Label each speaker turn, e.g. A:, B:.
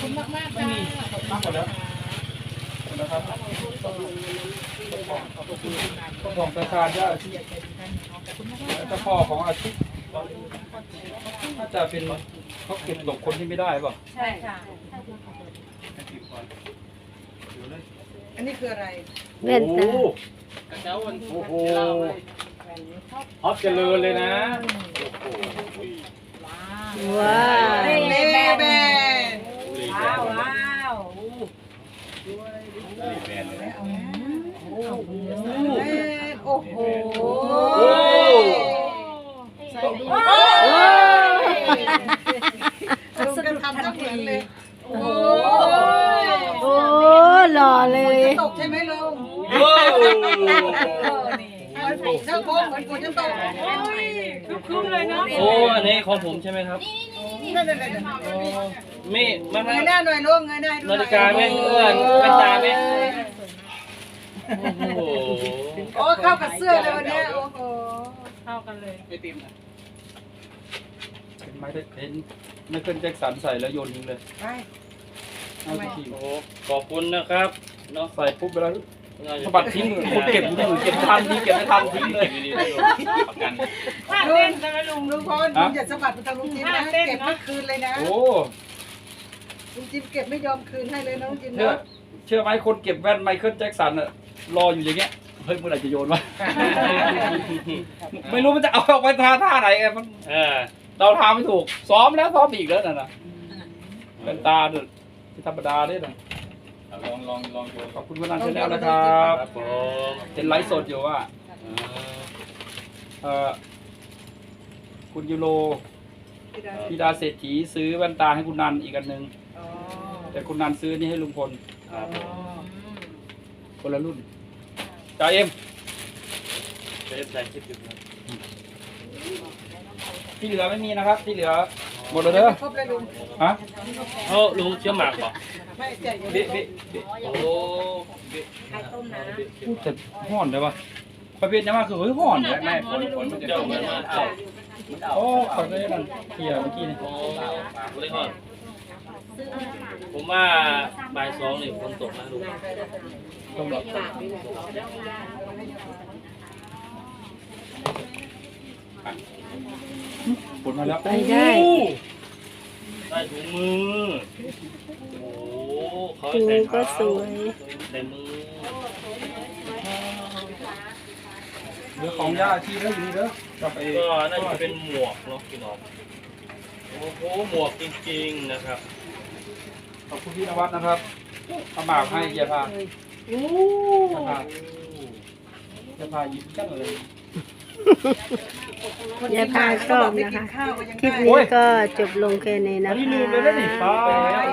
A: คุณมากมากค่ะ
B: มากกว่าแล้วนะครับของประชาญาติเจ้าพ่อของอาชีพน่าจะเป็นเขาเก็บตกคนที่ไม่ได้ป่ะ
A: ใช่ค่ะ
C: อันนี้คืออะไร
D: แว่นตา
B: โอ้โหฮอปเจริญเลยนะ
D: ว้าว
C: เลแบน
A: ว้าวว้าว
C: โอ้โห
A: ใส่ดี
C: ลุงกันทำทั้งเหมือนเลยโอ้
D: โอ้หล่อเลย
C: ตกใช่ไหมลุง
B: ว้าว
C: เจ้าโค้งเหมือนฝนจะตก
A: คุ้มเลยเนาะ
E: โอ้อันนี้ของผมใช่ไหมครับ
C: นั่น
E: มีมัน
C: เงยหน้าหน่อยลุงเงยหน้า
E: นาฬิกาไหมแว่นตาไหมโอ้โห
C: โอ้เข้ากับเสื้อเลยวันนี้โอ้โห
A: เข้ากันเลย
B: เห็นไหมเห็นไม่เคิลแจ็คสันใส่แล้วโยนทิ้งเลย
C: ไป
B: เอาไปทิ้ง
E: โอ้โหขอบคุณนะครับเนาะ
B: ใส่ปุ๊บไปแล้วสะบัดทิ้งคนเก็บอยู่เก็บทันทิ้งเก็บไม่ทันทิ้งเลย
E: ประกัน
A: ท่าเต้นใช่ไหมลุง
C: ลุงพรลุงอย่าสะบัดไปทางลุงจิมนะเก็บไม่คืนเลยนะ
B: โอ้
C: ลุงจิมเก็บไม่ยอมคืนให้เลยนะลุงจิม
B: เชื่อไหมคนเก็บแว่นไมเคิลแจ็คสันอะรออยู่อย่างเงี้ยเฮ้ยเมื่อไหร่จะโยนวะ ไม่รู้มันจะเอาออกไปท่าไหนไงมัน เราทำไม่ถูกซ้อมแล้วซ้อมอีกแล้วนะเป็นตาเนี่ยธรรมดาเนี่ยนะลองดูขอบคุณคุณนันเชนแนลนะครับ
E: ครับผม
B: เป็นไลฟ์สดอยู่ว่าคุณยูโรพี่ดาเศรษฐีซื้อแว่นตาให้คุณนันอีกอันหนึ่งแต่คุณนันซื้อนี่ให้ลุงพล
E: ครับผม
B: คนละรุ่นจ่าเอ็ม
E: เป็นใส่คลิปอยู่นะ
B: ที่เหลือไม่มีนะครับ ที่เหลือหมดเลยเด้อ
C: ครบเลยลุง
B: ฮะ
E: เขาลุงเชื่อหมากป่ะ
C: ไม่แจก
B: เบ๊ะเบ๊ะ
E: โอ้
B: พูดแต่ห่อนเลยวะประเภทนี้มากคือเฮ้ยห่อนเลยแม่
E: เจ้าเหมือนมาเอา
B: โอ้ขอได้นั่นเคลียร์เมื่อกี้นี่
E: โอ้เลยก่อนผมว่าบ่าย2นี่ฝนตกนะลุง
B: ต้องรอผลมาแล้ว
D: ไปได้
E: ได้ถุงมือโอ้เขา
D: ถุง
E: ใส่
D: ก็สวย
E: ใส่มือ
B: เหลือของย่าที่แล้วอยู่นี่เด้อจะไป
E: ก็น่าจะเป็นหมวกเนาะพี่น้องโอ้โหหมวกจริงๆนะครับ
B: ขอบคุณพี่นวัดนะครับเอาหมากให้ยาพาจะพายิ้มจังเลย
D: ยาพาชอบนะคะ
C: ข้าวก็ยัง
D: คลิป
C: ได้
D: นี้ก็จบลงแค่นี้
B: อั
D: นะ
B: นนี้
D: ค
B: ลืมเลยนะนี่
D: ะ
B: ป้า